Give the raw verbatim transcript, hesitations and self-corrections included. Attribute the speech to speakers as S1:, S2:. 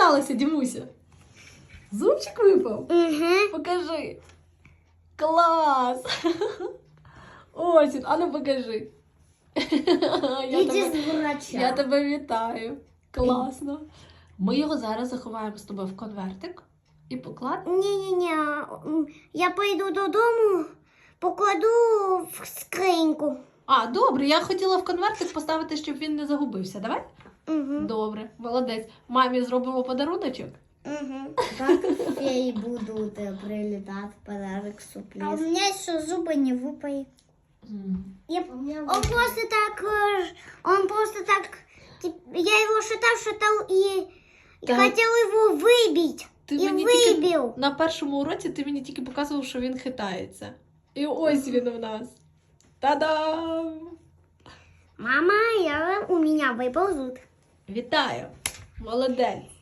S1: сталося, Дімуся? Зубчик випав?
S2: Угу.
S1: Покажи. Клас! Ось він, а ну покажи. Я
S2: Іди
S1: тебе,
S2: з врача.
S1: я тебе вітаю. Класно. Ми його зараз заховаємо з тобою в конвертик і покладемо.
S2: Ні-ні-ні, я пойду додому, покладу в скриньку.
S1: А, добре, я хотіла в конвертик поставити, щоб він не загубився. Давай?
S2: Угу.
S1: Добре, молодець. Мамі зробимо подаруночок.
S2: Угу. Так феи будут прилетать, подарок сюрприз. А у меня еще зубы не выпали. Я... Он просто так, э, он просто так, тип- я его шатал, шатал и, и
S1: Так.
S2: хотел его выбить.
S1: Ти
S2: И
S1: мені тільки
S2: выбил.
S1: на першому уроці ти мені тільки показував, що він хитається. І ось він у нас. Та-дам!
S2: Мама, я, у меня выпал зуб.
S1: Вітаю! Молодець!